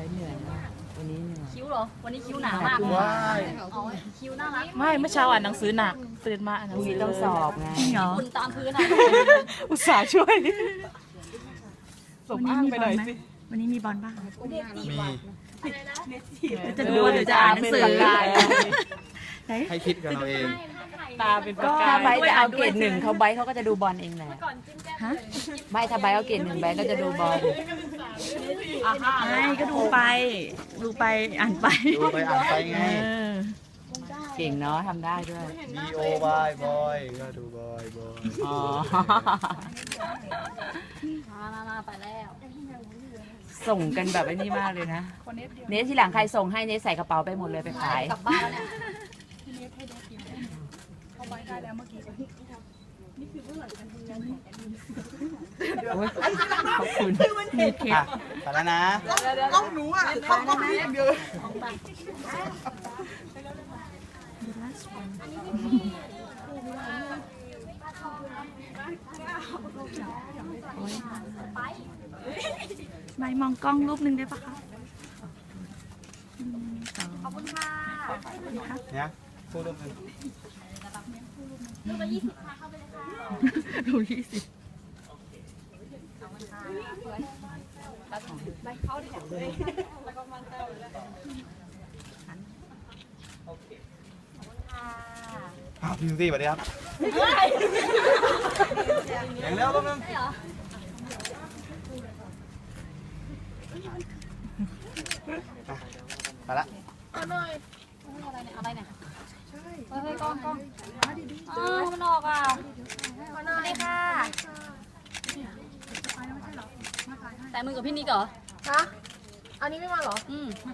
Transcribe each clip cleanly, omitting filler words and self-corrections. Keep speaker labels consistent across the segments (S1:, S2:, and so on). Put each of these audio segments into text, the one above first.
S1: เหนื่อยมากวันนี้เหนื่อย
S2: คิ้วเหรอวันนี้คิ้วหนามากอ๋อคิ้วน่ารัก
S3: ไม่เมื่อเช้าอ่านหนังสือหนักตื่นมาอ่านหนั
S1: พ
S3: ง
S1: รุ่ง
S3: สื
S1: นี้
S3: อ
S1: ต้องสอบไง
S3: เหรอ
S2: คุณตามพื้นอ่ะ
S3: อุตส่าห์ช่วยสมอ้างไปหน่อยสิ
S4: วันนี้มีบอลบ้าง
S5: มี
S4: จะดูหรือจะอ่านหนังสือ
S5: ให้คิดกันเราเอง
S3: ตาเป็นประ
S1: ก็
S3: กาย
S1: ใบจะเอาเกรด1เขาใบเขาก็จะดูบอลเองแหละใบถ้าใบเอาเกรด1ใบก็จะดูบอล
S4: ไม่ก็ดูไปอ่านไป
S5: ดูไปอ่านไปไง
S1: เก่งเนาะทำได้ด้วย
S5: B O Y บอยก็ดูบอย
S1: อ๋อ
S2: มาไปแล้ว
S1: ส่งกันแบบไอ้นี่มากเลยนะเนสที่หลังใครส่งให้เนสใส่กระเป๋าไปหมดเลยไปขาย
S2: กลับบ้านแล้วเนี่ย
S1: โอ๊ยขอบคุณ
S5: อ่ะไปแล้วนะ
S4: ไม่มองกล้องรูปหนึ่งได้ปะคะ
S2: ขอบคุณค่ะ
S5: เนี่ยพูดร่วมกัน
S2: ลูกละ20ค่ะเข้าไปเลยค่ะ
S4: ดู20
S2: ไปเข้าดิแล้วก็มันเต้าเลยค่ะ
S5: อ้าวพี่ยูซี่สวัสดีครับเสียงเร็วแป๊บนึง
S2: ได้เหรอ
S5: ไปละ
S2: อะไรเนี่ยเฮ้ยกล้องมันออกอ่ะสวัสดีค่ะแต่มือกับพี่นิกเหรอ
S6: ฮะอันนี้ไม่มาเหรอ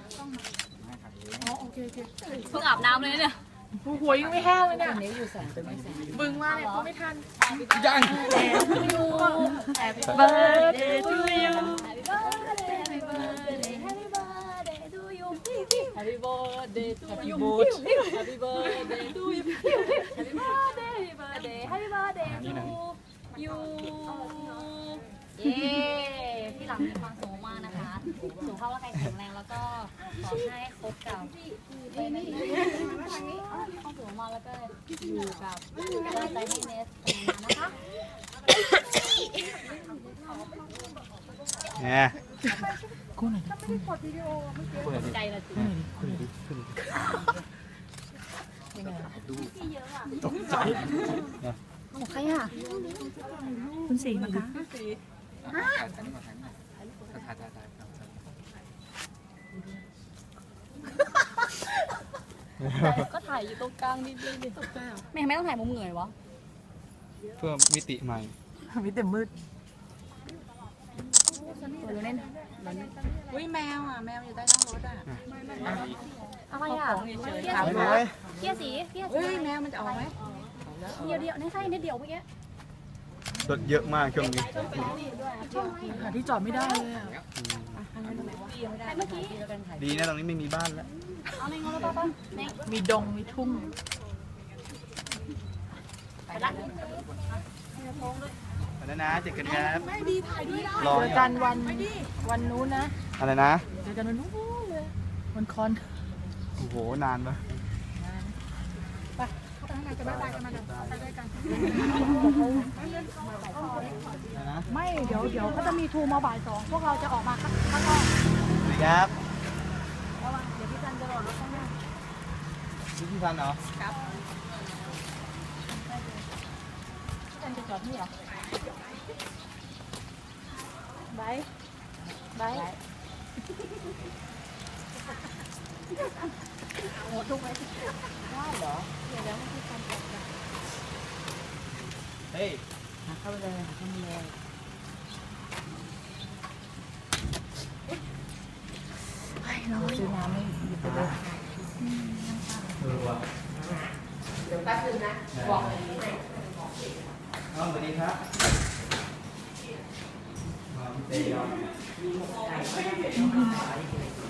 S2: เพิ่งอาบน้ำเลยเนี่ย
S6: หัวยังไม่แห้งเลยเนี่ย
S1: เนสอยู่แสงเป็นไม่แสง
S6: บึงมาเนี่ยก็ไม่ทัน
S5: ยัง
S2: Happy
S4: birthday to you
S2: Happy birthday Happy birthday Happy birthday to you Happy birthday to you Happy birthday to you Happy birthday Happy birthday to you เย้พี่หลังมีความสุขมากนะคะสุขภาพร่างกายแข็งแรงแล้วก็ขอให้คบกับความสุขมากแล้วก็อยู่กับกำลังใจให้เนสนานๆนะคะ
S5: เนี่ย
S2: ใจละจิ
S5: ตกใจ
S4: ใครอ่ะ คุณสีมากะ
S2: ก็ถ่ายอยู่ตรงกลางนิดนึงดิไม่ต้องถ่ายมุมเหนื่อยวะ
S5: เพื่อมิติใหม่
S3: มีแต่มืด
S2: ตัวเล่น
S1: อุ้ยแมวอ่ะแมวอยู่ใต้ท้องรถอ่ะ
S2: อะไรอ่ะเกีย
S5: ไป
S2: ร์สี
S5: เลย
S2: เกียร์สีเกียร์สี
S1: เฮ้ยแมวมันจะออกไหม
S2: เดียวนี่ใช่นิดเดียวเมื่อกี้
S5: รถเยอะมากช่วงนี้
S3: หาที่จอดไม่ได้เลยอะ
S2: เมื่อกี้
S5: ดีนะตรงนี้ไม่มีบ้านแล้ว
S2: เอาในงอแล้วป้าใน
S3: มีดงมีทุ่ง
S2: ไปละ
S5: ไปแล้วนะเจอกันครับรอ
S3: เจอกันวันนู้นนะ
S5: อะไรนะ
S3: เจอกันวันนู้นเลยวันคอน
S5: โอ้โหนานปะ
S4: ไม่เดี๋ยวก็จะมีทูมาบ่าย2พวกเราจะออกมาข้างนอก
S5: สวัสดีครับ
S4: เดี๋ยวพี่จันจะรอรถข้างหน้า
S5: พี่พันเหรอ
S4: พี่จันจะจอดที่เหรอไบหมดทุกไหม
S5: เฮ้ย
S1: หาเข้าไปเลยหาเข้าไปเลย ซื้อน้ำไม่หยิบไปเลย
S5: เดี๋ยวแป๊บนึงนะ บอกเลยน้องสวัสดีครับมาพี่เต้